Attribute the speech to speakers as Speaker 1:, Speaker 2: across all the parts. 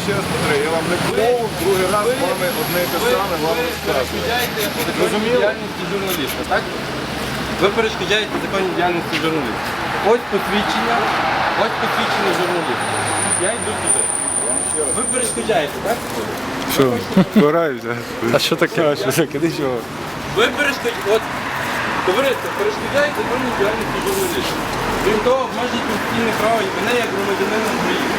Speaker 1: ще раз повторюю, я вам не промову, другий раз з вами одне і те саме вам розказую.
Speaker 2: Законній діяльності журналіста, так? Ви перешкоджаєте законній діяльності журналіста. Ось посвідчення журналіста. Я йду туди. Ви перешкоджаєте, так?
Speaker 3: Що? Вбираюся. А що таке? А що таке? Нічого.
Speaker 2: Ви перешкоджаєте, от, товариство, перешкоджаєте законній діяльності журналіста. Крім того, обмежують конституційне право і мене як громадянина України.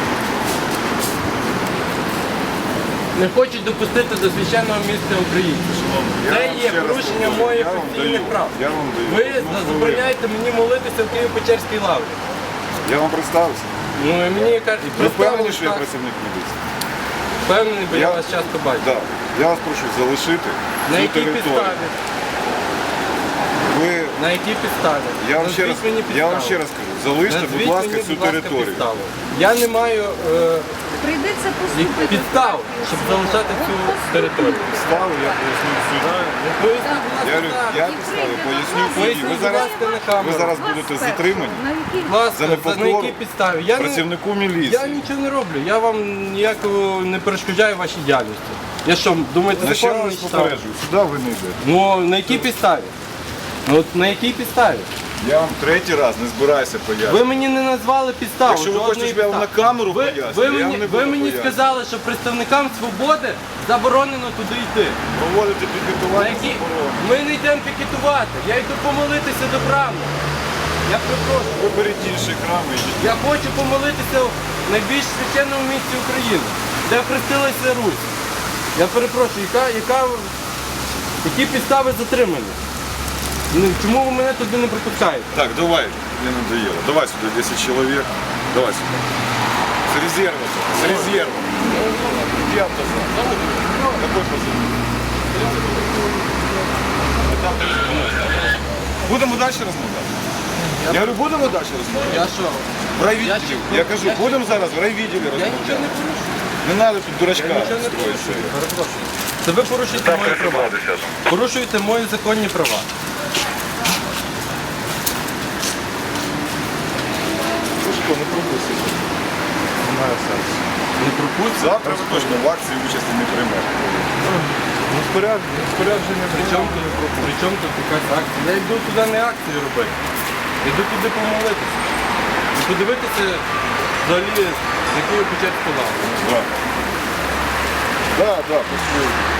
Speaker 2: Не хочуть допустити до священного місця українців. Це є порушення моїх конституційних прав.
Speaker 1: Я вам даю.
Speaker 2: Ви забороняєте мені молитися в Києво-Печерській лаврі.
Speaker 1: Я вам представився.
Speaker 2: Ну і мені кажуть,
Speaker 1: Ви впевнені, що я працівник міліції?
Speaker 2: Впевнений, бо я вас часто бачу.
Speaker 1: Так. Я вас прошу залишити
Speaker 2: На
Speaker 1: цю
Speaker 2: якій
Speaker 1: територію.
Speaker 2: підставі?
Speaker 1: Ви...
Speaker 2: На якій підставі?
Speaker 1: Я вам ще раз кажу, залиште, будь ласка, цю територію.
Speaker 2: Підставу. Я не маю
Speaker 4: Прийдеться поступити.
Speaker 2: підстав, щоб залишати цю територію.
Speaker 1: Підставу я поясню в суді.
Speaker 2: Поясніть, будь
Speaker 1: Я говорю,
Speaker 2: ласка,
Speaker 1: я
Speaker 2: так.
Speaker 1: підставу поясню в суді.
Speaker 2: Поясніть,
Speaker 1: Ви
Speaker 2: будь
Speaker 1: зараз,
Speaker 2: ласка, на камеру.
Speaker 1: ви зараз будете затримані
Speaker 4: На якій?
Speaker 2: Будь ласка,
Speaker 1: за
Speaker 2: на
Speaker 1: непокору
Speaker 2: якій підставі? Я не,
Speaker 1: працівнику
Speaker 2: я
Speaker 1: міліції.
Speaker 2: нічого не роблю, я вам ніякого не перешкоджаю вашій діяльності. Я що, думаєте,
Speaker 1: На ще
Speaker 2: закон не
Speaker 1: раз
Speaker 2: читав?
Speaker 1: попереджую, сюди ви не йдете.
Speaker 2: Ну, на якій підставі? Ну, от на якій підставі?
Speaker 1: Я вам третій раз не збираюся пояснювати.
Speaker 2: Ви мені не назвали підставу.
Speaker 1: Якщо ви хочете, щоб я вам на камеру пояснював,
Speaker 2: ви
Speaker 1: я вам
Speaker 2: мені,
Speaker 1: не
Speaker 2: ви
Speaker 1: буду
Speaker 2: мені
Speaker 1: пояснювати.
Speaker 2: сказали, що представникам свободи заборонено туди йти.
Speaker 1: Проводити
Speaker 2: На
Speaker 1: пікетування
Speaker 2: які...
Speaker 1: заборонено.
Speaker 2: Ми не йдемо пікетувати, я йду помолитися до храму. Я перепрошую.
Speaker 1: Виберіть інший храм і йдіть.
Speaker 2: Я хочу помолитися в найбільш священному місці України, де хрестилася Русь. Я перепрошую, які підстави затримання? Ну, чому ви мене туди не пропускаєте?
Speaker 1: Так, давай, мне надоело. Давай сюда 10 человек. Давай сюда. С резерва. С резерва. Где автозак? Какой позывной? Будемо далі розмовляти? Я говорю, будемо далі розмовляти?
Speaker 2: Я що?
Speaker 1: В райвідділі. Я кажу, будемо зараз в райвідділі
Speaker 2: Я нічого
Speaker 1: розмовляти.
Speaker 2: не порушую.
Speaker 1: Не треба тут дурачка
Speaker 2: Я нічого не
Speaker 1: строїти.
Speaker 2: порушую. Перепрошую. Це ви порушуєте мої права. Порушуєте мої законні права.
Speaker 1: Слушай, не пропустиш. Немає сенсу.
Speaker 2: Не пропустите.
Speaker 1: Завтра ви точно в акції участі не приймете.
Speaker 3: Ну, спорядження
Speaker 2: При чому тут якась акція? Я йду туди не акцію робити. Йду туди помолитися. І подивитися взагалі, з якою початку лаври.
Speaker 1: Да. Да, пошли.